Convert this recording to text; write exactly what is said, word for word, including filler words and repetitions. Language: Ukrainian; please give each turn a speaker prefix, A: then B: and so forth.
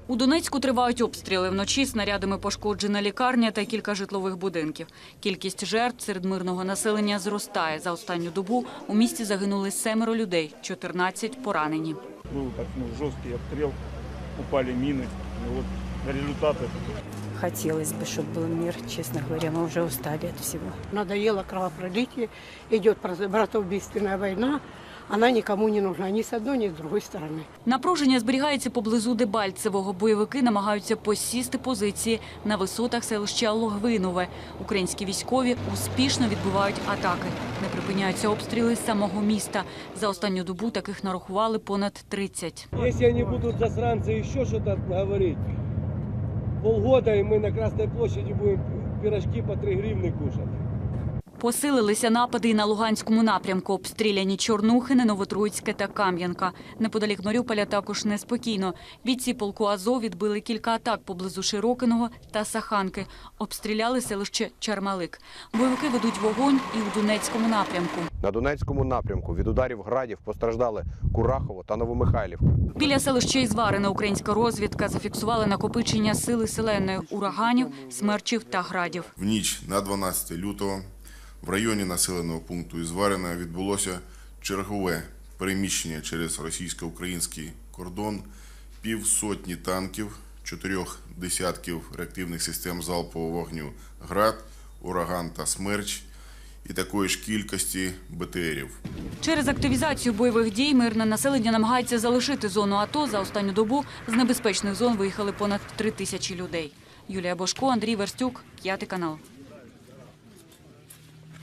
A: У Донецьку тривають обстріли. Вночі снарядами пошкоджена лікарня та кілька житлових будинків. Кількість жертв серед мирного населення зростає. За останню добу у місті загинули семеро людей, чотирнадцять поранені.
B: Був так, ну, жорсткий обстріл, упали міни. І от результати.
C: Хотелось бы, чтобы был мир, честно говоря, мы уже устали от всего.
D: Надоело кровопролитие, идет братоубийственная война, она никому не нужна, ни с одной, ни с другой стороны.
A: Напруження зберігається поблизу Дебальцевого. Бойовики намагаються посісти позиції на висотах селища Логвинове. Українські військові успішно відбивають атаки. Не припиняються обстріли з самого міста. За останню добу таких нарахували понад тридцять.
E: Якщо вони будуть засранці ще щось говорити, полгода і ми на Красній площаді будемо пирожки по три гривні кушати.
A: Посилилися напади і на Луганському напрямку. Обстріляні Чорнухине, Новотроїцьке та Кам'янка. Неподалік Маріуполя також неспокійно. Бійці полку Азов відбили кілька атак поблизу Широкиного та Саханки. Обстріляли селище Чармалик. Бойовики ведуть вогонь і у Донецькому напрямку.
F: На Донецькому напрямку від ударів градів постраждали Курахово та Новомихайлівка.
A: Біля селища Ізварине українська розвідка зафіксувала накопичення сили селеної ураганів, смерчів та градів.
G: В ніч на дванадцяте лютого в районі населеного пункту Ізварине відбулося чергове переміщення через російсько-український кордон півсотні танків, чотирьох десятків реактивних систем залпового вогню «Град», «Ураган» та «Смерч» і такої ж кількості Б Т Рів.
A: Через активізацію бойових дій мирне населення намагається залишити зону АТО. За останню добу з небезпечних зон виїхали понад три тисячі людей. Юлія Бошко, Андрій Верстюк, п'ятий канал.